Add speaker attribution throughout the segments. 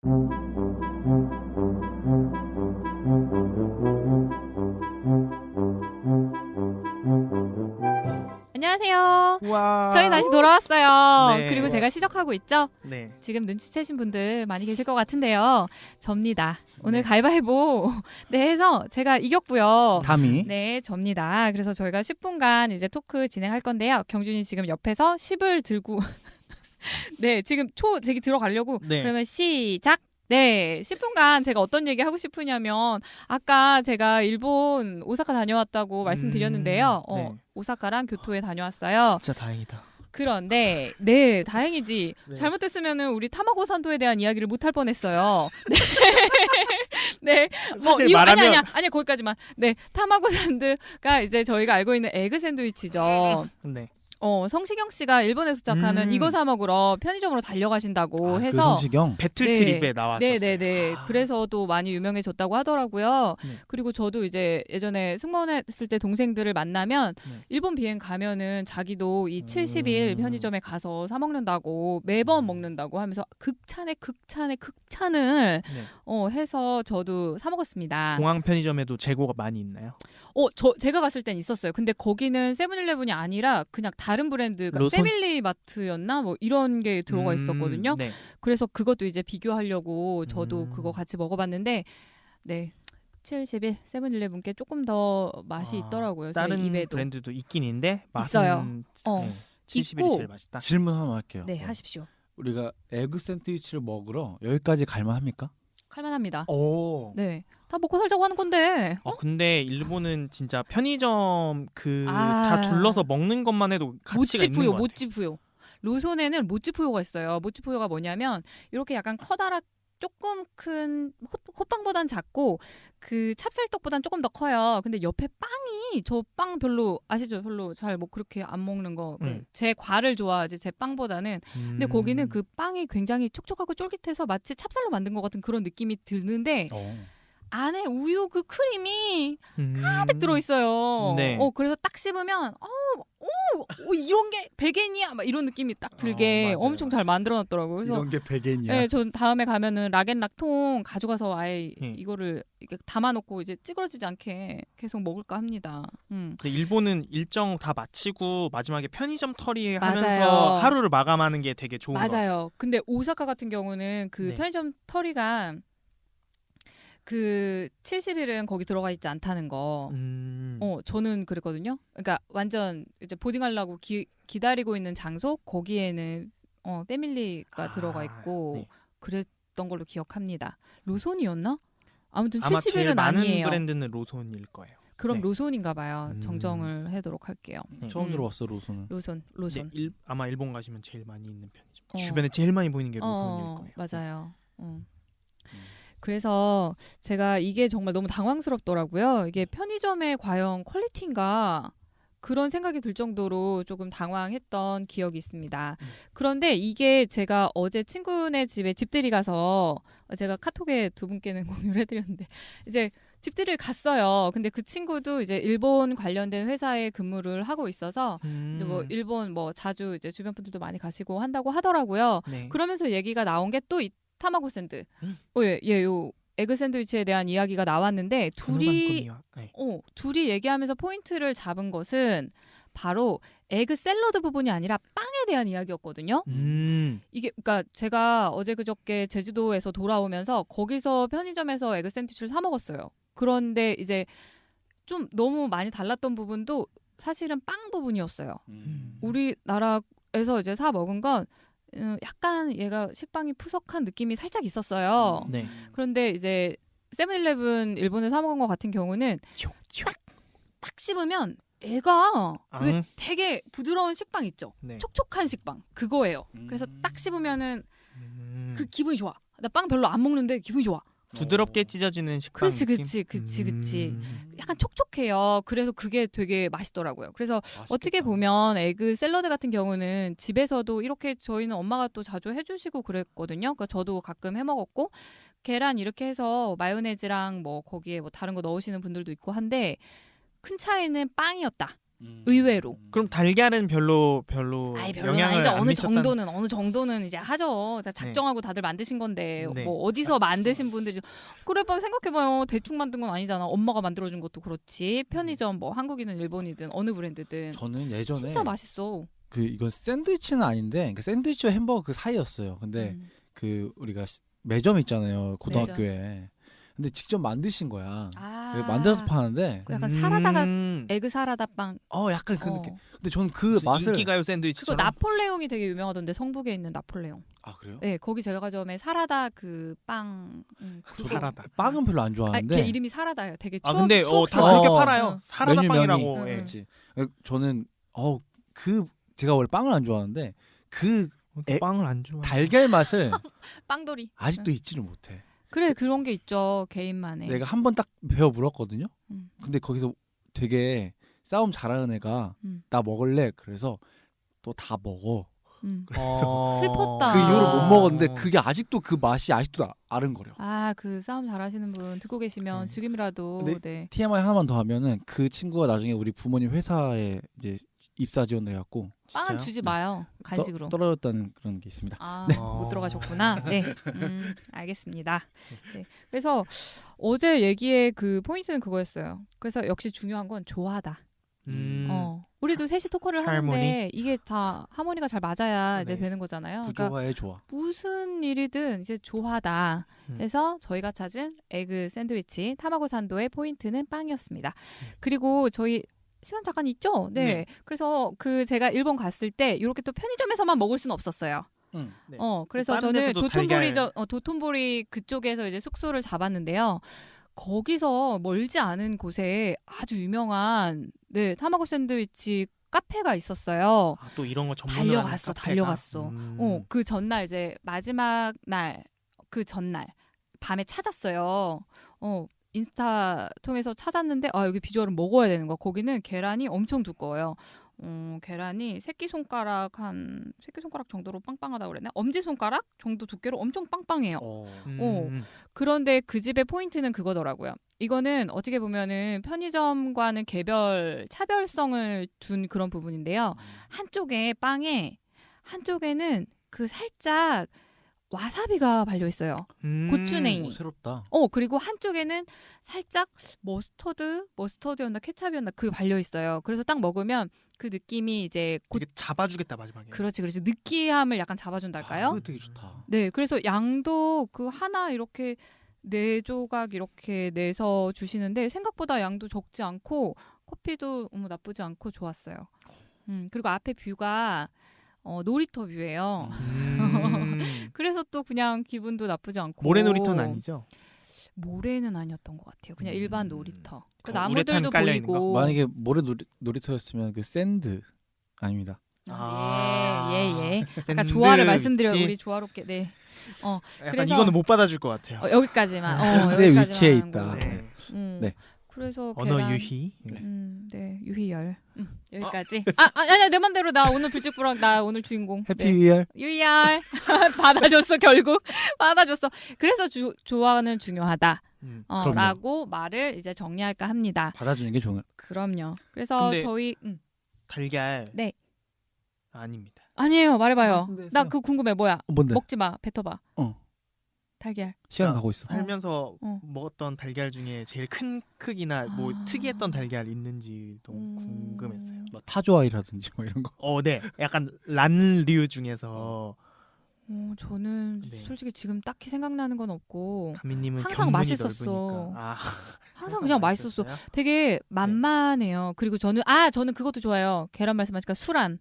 Speaker 1: 안녕하세요.
Speaker 2: 와.
Speaker 1: 저희 다시 돌아왔어요.
Speaker 2: 네.
Speaker 1: 그리고 제가 시작하고 있죠?
Speaker 2: 네.
Speaker 1: 지금 눈치채신 분들 많이 계실 것 같은데요. 접니다. 오늘
Speaker 2: 네.
Speaker 1: 가위바위보 네 해서 제가 이겼고요.
Speaker 3: 담이.
Speaker 1: 네, 접니다. 그래서 저희가 10분간 이제 토크 진행할 건데요. 경준이 지금 옆에서 10을 들고 네, 지금 제기 들어가려고
Speaker 2: 네.
Speaker 1: 그러면 시작! 네, 10분간 제가 어떤 얘기 하고 싶으냐면 아까 제가 일본 오사카 다녀왔다고 말씀드렸는데요.
Speaker 2: 네.
Speaker 1: 오사카랑 교토에 다녀왔어요.
Speaker 2: 진짜 다행이다.
Speaker 1: 그런데 네, 다행이지.
Speaker 2: 네.
Speaker 1: 잘못됐으면은 우리 타마고 산도에 대한 이야기를 못 할 뻔했어요. 네. 네.
Speaker 2: 사실
Speaker 1: 이거
Speaker 2: 말하면
Speaker 1: 아니야 거기까지만. 네, 타마고 산드가 이제 저희가 알고 있는 에그 샌드위치죠.
Speaker 2: 네.
Speaker 1: 성시경 씨가 일본에 도착하면 이거 사 먹으러 편의점으로 달려가신다고
Speaker 3: 그
Speaker 1: 해서
Speaker 3: 성시경.
Speaker 2: 배틀
Speaker 1: 네.
Speaker 2: 트립에 나왔었어요.
Speaker 1: 네네네. 그래서도 많이 유명해졌다고 하더라고요.
Speaker 2: 네.
Speaker 1: 그리고 저도 이제 예전에 승무원했을 때 동생들을 만나면
Speaker 2: 네.
Speaker 1: 일본 비행 가면은 자기도 이 70일 편의점에 가서 사 먹는다고 매번 먹는다고 하면서 극찬을
Speaker 2: 네.
Speaker 1: 해서 저도 사 먹었습니다.
Speaker 2: 공항 편의점에도 재고가 많이 있나요?
Speaker 1: 제가 갔을 땐 있었어요. 근데 거기는 세븐일레븐이 아니라 그냥 다른 브랜드가
Speaker 2: 로손?
Speaker 1: 패밀리마트였나 뭐 이런 게 들어가 있었거든요.
Speaker 2: 네.
Speaker 1: 그래서 그것도 이제 비교하려고 저도 그거 같이 먹어봤는데 네 70일 세븐일레븐께 조금 더 맛이 있더라고요. 저희
Speaker 2: 다른
Speaker 1: 입에도.
Speaker 2: 브랜드도 있긴 있는데 맛은
Speaker 1: 있어요.
Speaker 2: 네. 70일이
Speaker 1: 있고.
Speaker 2: 제일 맛있다.
Speaker 3: 질문 하나 할게요.
Speaker 1: 네 하십시오.
Speaker 3: 우리가 에그 샌드위치를 먹으러 여기까지 갈만합니까?
Speaker 1: 칼만합니다.
Speaker 2: 오.
Speaker 1: 네. 다 먹고 살자고 하는 건데.
Speaker 2: 근데 일본은 진짜 편의점
Speaker 1: 아.
Speaker 2: 다 둘러서 먹는 것만 해도 가치가 있는 것 같아요.
Speaker 1: 모찌푸요. 로손에는 모찌푸요가 있어요. 모찌푸요가 뭐냐면 이렇게 약간 커다랗 조금 큰 호빵보단 작고 그 찹쌀떡보단 조금 더 커요. 근데 옆에 빵이 저 빵 별로 아시죠? 별로 잘 뭐 그렇게 안 먹는 거. 제 과를 좋아하지 제 빵보다는. 근데 거기는 그 빵이 굉장히 촉촉하고 쫄깃해서 마치 찹쌀로 만든 것 같은 그런 느낌이 드는데 안에 우유 그 크림이 가득 들어있어요.
Speaker 2: 네.
Speaker 1: 그래서 딱 씹으면 이런 게 베겐이야 막 이런 느낌이 딱 들게
Speaker 3: 맞아요,
Speaker 1: 엄청 잘 만들어놨더라고요. 그래서
Speaker 3: 이런 게 베겐이야.
Speaker 1: 네, 전 다음에 가면은 락앤락통 가져가서 아예
Speaker 2: 네.
Speaker 1: 이거를 이렇게 담아놓고 이제 찌그러지지 않게 계속 먹을까 합니다.
Speaker 2: 근데 일본은 일정 다 마치고 마지막에 편의점 털이
Speaker 1: 맞아요.
Speaker 2: 하면서 하루를 마감하는 게 되게 좋은 것 같아요.
Speaker 1: 맞아요. 근데 오사카 같은 경우는 그
Speaker 2: 네.
Speaker 1: 편의점 털이가 그 70일은 거기 들어가 있지 않다는 거. 저는 그랬거든요. 그러니까 완전 이제 보딩하려고 기다리고 있는 장소 거기에는 패밀리가 들어가 있고
Speaker 2: 네.
Speaker 1: 그랬던 걸로 기억합니다. 로손이었나? 아무튼
Speaker 2: 아마 제일
Speaker 1: 70일은
Speaker 2: 많은
Speaker 1: 아니에요.
Speaker 2: 브랜드는 로손일 거예요.
Speaker 1: 그럼
Speaker 2: 네.
Speaker 1: 로손인가 봐요. 정정을 하도록 할게요.
Speaker 3: 처음 들어봤어 로손은.
Speaker 1: 로손.
Speaker 2: 네, 아마 일본 가시면 제일 많이 있는 편이죠.
Speaker 1: 어.
Speaker 2: 주변에 제일 많이 보이는 게 로손일 거예요.
Speaker 1: 맞아요. 그래서 제가 이게 정말 너무 당황스럽더라고요. 이게 편의점의 과연 퀄리티인가 그런 생각이 들 정도로 조금 당황했던 기억이 있습니다. 그런데 이게 제가 어제 친구네 집에 집들이 가서 제가 카톡에 두 분께는 공유를 해드렸는데 이제 집들이를 갔어요. 근데 그 친구도 이제 일본 관련된 회사에 근무를 하고 있어서 이제 뭐 일본 뭐 자주 이제 주변 분들도 많이 가시고 한다고 하더라고요.
Speaker 2: 네.
Speaker 1: 그러면서 얘기가 나온 게 또 타마고 샌드. 요 에그 샌드위치에 대한 이야기가 나왔는데 둘이 얘기하면서 포인트를 잡은 것은 바로 에그 샐러드 부분이 아니라 빵에 대한 이야기였거든요. 이게 그러니까 제가 어제 그저께 제주도에서 돌아오면서 거기서 편의점에서 에그 샌드위치를 사 먹었어요. 그런데 이제 좀 너무 많이 달랐던 부분도 사실은 빵 부분이었어요. 우리나라에서 이제 사 먹은 건 약간 얘가 식빵이 푸석한 느낌이 살짝 있었어요.
Speaker 2: 네.
Speaker 1: 그런데 이제 세븐일레븐 일본에 사 먹은 것 같은 경우는 딱 씹으면 애가 왜 되게 부드러운 식빵 있죠?
Speaker 2: 네.
Speaker 1: 촉촉한 식빵 그거예요. 그래서 딱 씹으면은 그 기분이 좋아. 나 빵 별로 안 먹는데 기분이 좋아.
Speaker 2: 부드럽게 찢어지는 식빵 느낌?
Speaker 1: 그치. 약간 촉촉해요. 그래서 그게 되게 맛있더라고요. 그래서 어떻게 보면 에그 샐러드 같은 경우는 집에서도 이렇게 저희는 엄마가 또 자주 해주시고 그랬거든요. 그러니까 저도 가끔 해 먹었고 계란 이렇게 해서 마요네즈랑 뭐 거기에 뭐 다른 거 넣으시는 분들도 있고 한데 큰 차이는 빵이었다. 의외로.
Speaker 2: 그럼 달걀은 별로
Speaker 1: 아이 별로
Speaker 2: 영향을
Speaker 1: 아니죠.
Speaker 2: 안
Speaker 1: 어느 정도는 이제 하죠. 다 작정하고 다들 만드신 건데
Speaker 2: 네.
Speaker 1: 뭐 어디서 만드신 분들이 그래 봐 생각해봐요. 대충 만든 건 아니잖아. 엄마가 만들어준 것도 그렇지. 편의점 뭐 한국이든 일본이든 어느 브랜드든
Speaker 3: 저는 예전에
Speaker 1: 진짜 맛있어.
Speaker 3: 그 이건 샌드위치는 아닌데 그 샌드위치와 햄버거 그 사이였어요. 근데 그 우리가 매점 있잖아요 고등학교에. 근데 직접 만드신 거야. 만들어서 파는데.
Speaker 1: 그 약간 사라다가 에그 사라다 빵.
Speaker 3: 약간 그 느낌. 근데 저는 그
Speaker 2: 무슨
Speaker 3: 맛을
Speaker 2: 인기가요 샌드위치처럼.
Speaker 1: 그거 나폴레옹이 되게 유명하던데 성북에 있는 나폴레옹.
Speaker 3: 아 그래요?
Speaker 1: 네 거기 제과점에 사라다 그 빵.
Speaker 3: 저도
Speaker 2: 사라다.
Speaker 3: 빵은 별로 안
Speaker 1: 걔
Speaker 3: 좋아하는데.
Speaker 1: 이름이 사라다예요. 되게
Speaker 2: 아
Speaker 1: 추억.
Speaker 2: 근데 다
Speaker 1: 추억스러워.
Speaker 2: 그렇게 팔아요. 사라다
Speaker 3: 메뉴명이.
Speaker 2: 빵이라고.
Speaker 1: 응,
Speaker 2: 예.
Speaker 1: 응.
Speaker 3: 그렇지. 저는 그 제가 원래 빵을 안 좋아하는데 그
Speaker 2: 빵을 안 좋아.
Speaker 3: 달걀 맛을
Speaker 1: 빵돌이.
Speaker 3: 아직도 잊지를 못해.
Speaker 1: 그래 그런 게 있죠 개인만의.
Speaker 3: 내가 한 번 딱 배워 물었거든요.
Speaker 1: 음.
Speaker 3: 근데 거기서 되게 싸움 잘하는 애가
Speaker 1: 음.
Speaker 3: 나 먹을래. 그래서 또 다 먹어. 그래서
Speaker 1: 슬펐다.
Speaker 3: 그 이후로 못 먹었는데
Speaker 2: 어.
Speaker 3: 그게 아직도 그 맛이 아직도 아른거려.
Speaker 1: 그 싸움 잘하시는 분 듣고 계시면 지금이라도
Speaker 3: 근데
Speaker 1: 네.
Speaker 3: TMI 하나만 더 하면은 그 친구가 나중에 우리 부모님 회사에 이제 입사 지원을 해갖고
Speaker 1: 빵은
Speaker 2: 진짜요?
Speaker 1: 주지 마요 간식으로.
Speaker 3: 떨어졌다는 그런 게 있습니다.
Speaker 1: 못 들어가셨구나. 네, 알겠습니다. 네, 그래서 어제 얘기의 그 포인트는 그거였어요. 그래서 역시 중요한 건 좋아하다. 우리도 셋이 토크를 하는데
Speaker 2: 하모니?
Speaker 1: 이게 다 하모니가 잘 맞아야 이제
Speaker 2: 네.
Speaker 1: 되는 거잖아요. 그러니까
Speaker 3: 부조화에 좋아.
Speaker 1: 무슨 일이든 이제 좋아하다. 해서 저희가 찾은 에그 샌드위치 타마고 산도의 포인트는 빵이었습니다. 그리고 저희 시간 잠깐 있죠? 네.
Speaker 2: 네.
Speaker 1: 그래서 그 제가 일본 갔을 때 이렇게 또 편의점에서만 먹을 수는 없었어요.
Speaker 2: 네.
Speaker 1: 그래서
Speaker 2: 다른
Speaker 1: 저는
Speaker 2: 데서도
Speaker 1: 도톤보리 그쪽에서 이제 숙소를 잡았는데요. 거기서 멀지 않은 곳에 아주 유명한 타마고 샌드위치 카페가 있었어요.
Speaker 2: 또 이런 거 전문으로
Speaker 1: 달려갔어. 그 전날 이제 마지막 날 그 전날 밤에 찾았어요. 인스타 통해서 찾았는데 여기 비주얼은 먹어야 되는 거야. 거기는 계란이 엄청 두꺼워요. 계란이 새끼손가락 정도로 빵빵하다고 그랬나? 엄지손가락 정도 두께로 엄청 빵빵해요. 그런데 그 집의 포인트는 그거더라고요. 이거는 어떻게 보면은 편의점과는 차별성을 둔 그런 부분인데요. 한쪽에는 그 살짝 와사비가 발려 있어요. 고추냉이.
Speaker 3: 새롭다.
Speaker 1: 그리고 한쪽에는 살짝 머스터드였나 케찹이었나 그게 발려 있어요. 그래서 딱 먹으면 그 느낌이 이제
Speaker 2: 되게 잡아주겠다 마지막에.
Speaker 1: 그렇지. 느끼함을 약간 잡아준달까요?
Speaker 3: 그거 되게 좋다.
Speaker 1: 네, 그래서 양도 그 하나 이렇게 4조각 이렇게 내서 주시는데 생각보다 양도 적지 않고 커피도 나쁘지 않고 좋았어요. 그리고 앞에 뷰가 놀이터 뷰예요. 그래서 또 그냥 기분도 나쁘지 않고.
Speaker 2: 모래놀이터는 아니죠?
Speaker 1: 모래는 아니었던 것 같아요. 그냥 일반 놀이터. 그
Speaker 2: 우레탄
Speaker 1: 나무들도
Speaker 2: 깔려 있는
Speaker 1: 보이고.
Speaker 3: 만약에 모래 놀이터였으면 그 샌드 아닙니다.
Speaker 1: 예. 아까 조화를 말씀드려요. 우리 조화롭게. 네.
Speaker 2: 약간
Speaker 1: 그래서
Speaker 2: 이거는 못 받아줄 것 같아요.
Speaker 1: 여기까지만.
Speaker 3: 샌드의
Speaker 1: 여기까지만
Speaker 3: 위치에
Speaker 1: 하는
Speaker 3: 있다.
Speaker 1: 걸로.
Speaker 3: 네.
Speaker 1: 그래서
Speaker 2: 언어
Speaker 1: 계란,
Speaker 2: 유희.
Speaker 1: 네, 유희열. 여기까지. 아니야, 내 맘대로 나 오늘 불직불학 나 오늘 주인공.
Speaker 3: 해피
Speaker 1: 네.
Speaker 3: 위얼.
Speaker 1: 유희열 받아줬어 결국 받아줬어. 그래서 조화는 중요하다. 라고 말을 이제 정리할까 합니다.
Speaker 3: 받아주는 게 좋은.
Speaker 1: 그럼요. 그래서
Speaker 2: 근데
Speaker 1: 저희
Speaker 2: 달걀.
Speaker 1: 네.
Speaker 2: 아닙니다.
Speaker 1: 아니에요. 말해봐요.
Speaker 3: 말씀드렸어요.
Speaker 1: 나 그거 궁금해. 뭐야?
Speaker 3: 뭔데?
Speaker 1: 먹지 마. 뱉어봐. 달걀.
Speaker 3: 시간 가고 있어.
Speaker 2: 살면서 먹었던 달걀 중에 제일 큰 크기나 뭐 특이했던 달걀 있는지도 궁금했어요.
Speaker 3: 뭐 타조아이라든지 뭐 이런 거.
Speaker 2: 네. 약간 란류 중에서
Speaker 1: 저는
Speaker 2: 네.
Speaker 1: 솔직히 지금 딱히 생각나는 건 없고
Speaker 2: 가미님은
Speaker 1: 항상
Speaker 2: 견문이
Speaker 1: 맛있었어.
Speaker 2: 넓으니까.
Speaker 1: 항상 그냥 맛있었어. 되게 만만해요. 그리고 저는 그것도 좋아요. 계란 말씀하니까 수란.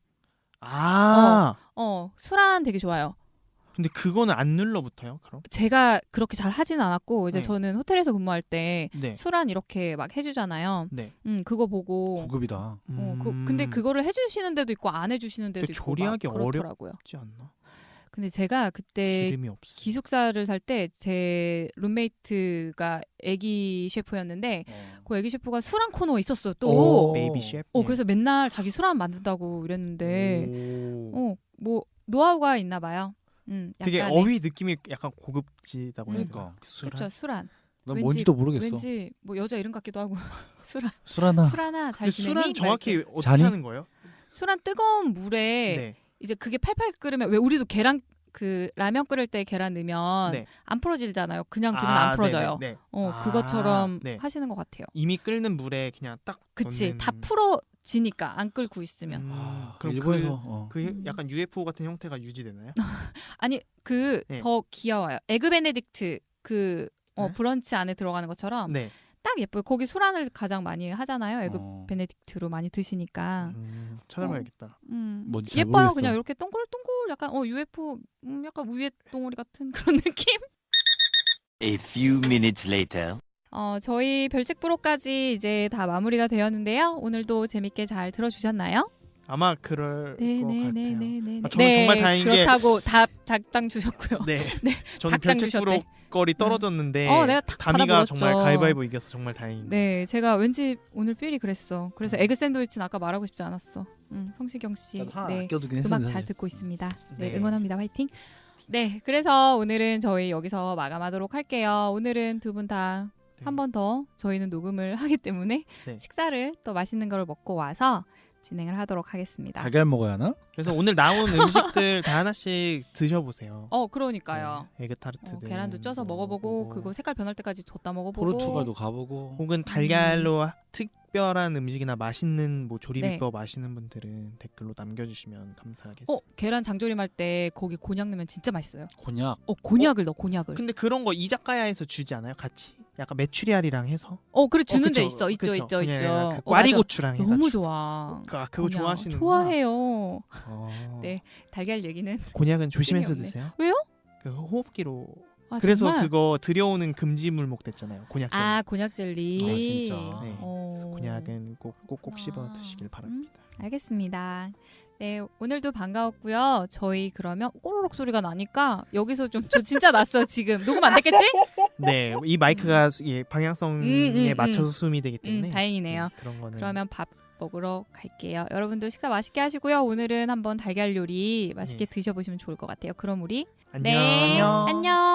Speaker 1: 수란 되게 좋아요.
Speaker 2: 근데 그거는 안 눌러붙어요, 그럼?
Speaker 1: 제가 그렇게 잘 하진 않았고 이제
Speaker 2: 네.
Speaker 1: 저는 호텔에서 근무할 때
Speaker 2: 네.
Speaker 1: 수란 이렇게 막 해주잖아요.
Speaker 2: 네.
Speaker 1: 그거 보고.
Speaker 3: 고급이다.
Speaker 1: 근데 그거를 해주시는 데도 있고 안 해주시는 데도 있고
Speaker 2: 조리하기
Speaker 1: 막 그렇더라고요.
Speaker 2: 어렵지 않나?
Speaker 1: 근데 제가 그때
Speaker 2: 기름이 없어.
Speaker 1: 기숙사를 살 때 제 룸메이트가 애기 셰프였는데 그 애기 셰프가 수란 코너 있었어요. 또.
Speaker 2: 베이비 셰프.
Speaker 1: 그래서 맨날 자기 수란 만든다고 이랬는데 뭐 노하우가 있나 봐요.
Speaker 2: 되게
Speaker 1: 약간의.
Speaker 2: 어휘 느낌이 약간 고급지다고 해야
Speaker 3: 그러니까.
Speaker 2: 되나?
Speaker 1: 그렇죠. 수란.
Speaker 3: 난 뭔지도 모르겠어.
Speaker 1: 왠지 뭐 여자 이름 같기도 하고.
Speaker 3: 수라나.
Speaker 1: 수라나 잘 지내니?
Speaker 2: 수란 정확히 어떻게
Speaker 3: 자니?
Speaker 2: 하는 거예요?
Speaker 1: 수란 뜨거운 물에
Speaker 2: 네.
Speaker 1: 이제 그게 팔팔 끓으면 왜 우리도 계란 그 라면 끓일 때 계란 넣으면
Speaker 2: 네.
Speaker 1: 안 풀어지잖아요. 그냥 두면 안 풀어져요.
Speaker 2: 네네, 네.
Speaker 1: 그것처럼
Speaker 2: 네.
Speaker 1: 하시는 것 같아요.
Speaker 2: 이미 끓는 물에 그냥 딱
Speaker 1: 그치,
Speaker 2: 넣는...
Speaker 1: 다 풀어지니까 안 끓고 있으면.
Speaker 2: 그럼
Speaker 3: 일본에서
Speaker 2: 그 약간 UFO 같은 형태가 유지되나요?
Speaker 1: 아니
Speaker 2: 네.
Speaker 1: 더 귀여워요. 에그 베네딕트 그
Speaker 2: 네?
Speaker 1: 브런치 안에 들어가는 것처럼
Speaker 2: 네.
Speaker 1: 딱 예뻐요. 거기 수란을 가장 많이 하잖아요. 에그 베네딕트로 많이 드시니까.
Speaker 2: 찾아봐야겠다.
Speaker 3: 뭔지 잘
Speaker 1: 예뻐요.
Speaker 3: 모르겠어.
Speaker 1: 그냥 이렇게 동글동글 약간 UFO 약간 우유 덩어리 같은 그런 느낌.
Speaker 4: A few minutes later.
Speaker 1: 저희 별책 프로까지 이제 다 마무리가 되었는데요. 오늘도 재밌게 잘 들어주셨나요?
Speaker 2: 아마 그럴 것 같아요.
Speaker 1: 네네네네네.
Speaker 2: 저는 정말 다행인 게
Speaker 1: 그렇다고 답 작당 주셨고요.
Speaker 2: 네.
Speaker 1: 네,
Speaker 2: 저는
Speaker 1: 닭장
Speaker 2: 별책
Speaker 1: 주셨대.
Speaker 2: 프로 거리 떨어졌는데
Speaker 1: 내가 탁
Speaker 2: 다미가
Speaker 1: 받아먹었죠.
Speaker 2: 정말 가위바위보 이겨서 정말 다행입니다.
Speaker 1: 네, 제가 왠지 오늘 삘이 그랬어. 그래서 에그 샌드위치는 아까 말하고 싶지 않았어. 성시경 씨, 네,
Speaker 3: 아껴두긴
Speaker 1: 음악
Speaker 3: 했는데
Speaker 1: 잘 듣고 있습니다. 네,
Speaker 2: 네.
Speaker 1: 응원합니다. 화이팅. 네, 그래서 오늘은 저희 여기서 마감하도록 할게요. 오늘은 두 분 다 한 번 더 저희는 녹음을 하기 때문에
Speaker 2: 네.
Speaker 1: 식사를 또 맛있는 걸 먹고 와서 진행을 하도록 하겠습니다.
Speaker 3: 달걀 먹어야 하나?
Speaker 2: 그래서 오늘 나온 음식들 다 하나씩 드셔보세요.
Speaker 1: 그러니까요.
Speaker 2: 네, 에그타르트든
Speaker 1: 계란도 쪄서 먹어보고 그거 색깔 변할 때까지 뒀다 먹어보고
Speaker 3: 포르투갈도 가보고
Speaker 2: 혹은 달걀로 특별한 음식이나 맛있는 뭐 조리비법 아시는 분들은 댓글로 남겨주시면 감사하겠습니다.
Speaker 1: 계란 장조림 할 때 거기 곤약 넣으면 진짜 맛있어요.
Speaker 3: 곤약.
Speaker 1: 곤약을 넣어, 곤약을.
Speaker 2: 근데 그런 거 이자카야에서 주지 않아요? 같이? 약간 메추리알이랑 해서?
Speaker 1: 그래 주는 데
Speaker 2: 그쵸.
Speaker 1: 있어.
Speaker 2: 그쵸.
Speaker 1: 있죠.
Speaker 2: 그 꽈리고추랑 해가지고.
Speaker 1: 너무 좋아.
Speaker 2: 그거 좋아하시는구나.
Speaker 1: 좋아해요. 네, 달걀 얘기는
Speaker 2: 곤약은 조심해서
Speaker 1: 없네.
Speaker 2: 드세요.
Speaker 1: 왜요?
Speaker 2: 그 호흡기로.
Speaker 1: 아,
Speaker 2: 그래서
Speaker 1: 정말?
Speaker 2: 그거 들여오는 금지 물목 됐잖아요. 곤약.
Speaker 1: 곤약 젤리.
Speaker 3: 진짜.
Speaker 2: 네. 그래서 곤약은 꼭 씹어 드시길 바랍니다.
Speaker 1: 알겠습니다. 네, 오늘도 반가웠고요. 저희 그러면 꼬르륵 소리가 나니까 여기서 저 진짜 났어 지금. 녹음 안 됐겠지?
Speaker 2: 네, 이 마이크가 방향성에 맞춰서 수음이 되기 때문에
Speaker 1: 다행이네요.
Speaker 2: 네, 그런 거는
Speaker 1: 그러면 밥 먹으러 갈게요. 여러분도 식사 맛있게 하시고요. 오늘은 한번 달걀 요리 맛있게 드셔보시면 좋을 것 같아요. 그럼 우리
Speaker 2: 안녕.
Speaker 1: 안녕.